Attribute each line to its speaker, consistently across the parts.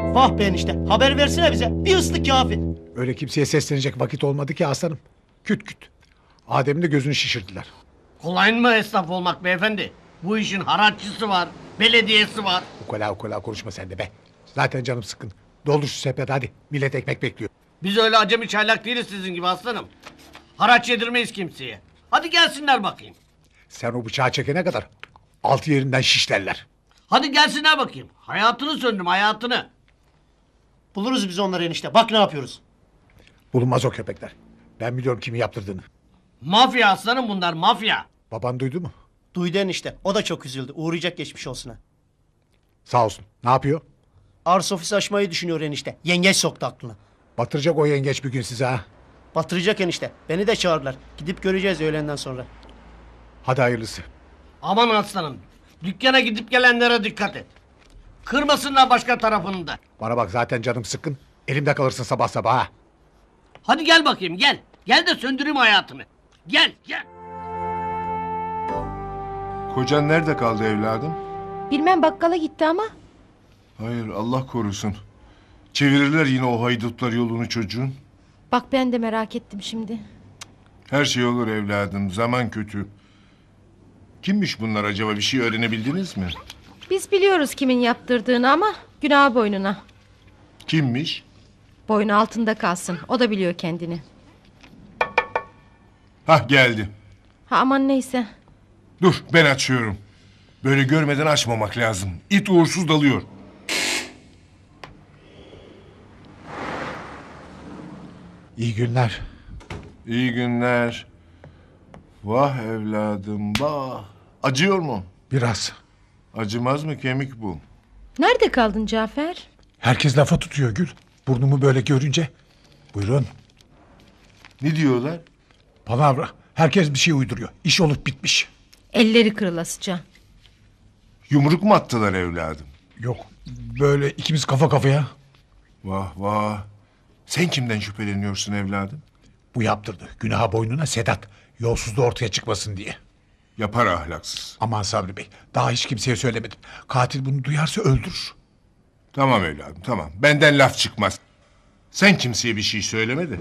Speaker 1: Vah be enişte, haber versene bize. Bir ıslık kafi.
Speaker 2: Öyle kimseye seslenecek vakit olmadı ki aslanım. Küt küt. Adem'in de gözünü şişirdiler.
Speaker 3: Kolay mı esnaf olmak beyefendi? Bu işin haraççısı var, belediyesi var.
Speaker 2: Ukala konuşma sen de be. Zaten canım sıkkın. Doldur şu sepeti hadi. Millet ekmek bekliyor.
Speaker 3: Biz öyle acemi çaylak değiliz sizin gibi aslanım. Haraç yedirmeyiz kimseye. Hadi gelsinler bakayım.
Speaker 2: Sen o bıçağı çekene kadar altı yerinden şişlerler.
Speaker 3: Hadi gelsinler bakayım. Hayatını söndüm, hayatını.
Speaker 1: Buluruz biz onları enişte. Bak ne yapıyoruz.
Speaker 2: Bulunmaz o köpekler. Ben biliyorum kimin yaptırdığını.
Speaker 3: Mafya aslanım bunlar, mafya.
Speaker 2: Baban duydu mu?
Speaker 1: Duydu enişte. O da çok üzüldü. Uğrayacak geçmiş olsuna.
Speaker 2: Sağ olsun. Ne yapıyor?
Speaker 1: Arsa ofisi açmayı düşünüyor enişte. Yengeç soktu aklına.
Speaker 2: Batıracak o yengeç bir gün size ha.
Speaker 1: Batıracak enişte. Beni de çağırdılar. Gidip göreceğiz öğlenden sonra.
Speaker 2: Hadi hayırlısı.
Speaker 3: Aman aslanım. Dükkana gidip gelenlere dikkat et. Kırmasınlar başka tarafını da.
Speaker 2: Bana bak zaten canım sıkkın. Elimde kalırsın sabah sabah ha.
Speaker 3: Hadi gel bakayım gel. Gel de söndüreyim hayatını. Gel gel.
Speaker 4: Kocan nerede kaldı evladım?
Speaker 5: Bilmem bakkala gitti ama.
Speaker 4: Hayır Allah korusun. Çevirirler yine o haydutlar yolunu çocuğun.
Speaker 5: Bak ben de merak ettim şimdi.
Speaker 4: Her şey olur evladım. Zaman kötü. Kimmiş bunlar acaba? Bir şey öğrenebildiniz mi?
Speaker 5: Biz biliyoruz kimin yaptırdığını ama günah boynuna.
Speaker 4: Kimmiş?
Speaker 5: Boynu altında kalsın. O da biliyor kendini.
Speaker 4: Hah geldi.
Speaker 5: Ha aman neyse.
Speaker 4: Dur ben açıyorum. Böyle görmeden açmamak lazım. İt uğursuz dalıyor.
Speaker 2: İyi günler.
Speaker 4: İyi günler. Vah evladım vah. Acıyor mu?
Speaker 2: Biraz.
Speaker 4: Acımaz mı kemik bu?
Speaker 5: Nerede kaldın Cafer?
Speaker 2: Herkes lafa tutuyor Gül. Burnumu böyle görünce. Buyurun.
Speaker 4: Ne diyorlar?
Speaker 2: Palavra. Herkes bir şey uyduruyor. İş olup bitmiş.
Speaker 5: Elleri kırılasıca.
Speaker 4: Yumruk mu attılar evladım?
Speaker 2: Yok. Böyle ikimiz kafa kafaya.
Speaker 4: Vah vah. Sen kimden şüpheleniyorsun evladım?
Speaker 2: Bu yaptırdı. Günaha boynuna Sedat. Yolsuzluğu ortaya çıkmasın diye.
Speaker 4: Yapar ahlaksız.
Speaker 2: Aman Sabri Bey. Daha hiç kimseye söylemedim. Katil bunu duyarsa öldürür.
Speaker 4: Tamam evladım tamam. Benden laf çıkmaz. Sen kimseye bir şey söyleme de.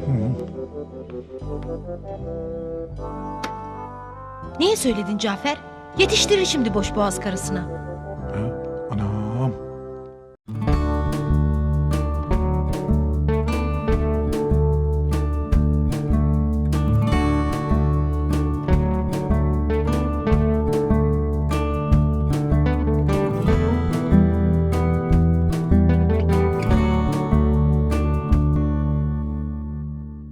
Speaker 5: Niye söyledin Cafer? Yetiştirir şimdi boş boğaz karısına.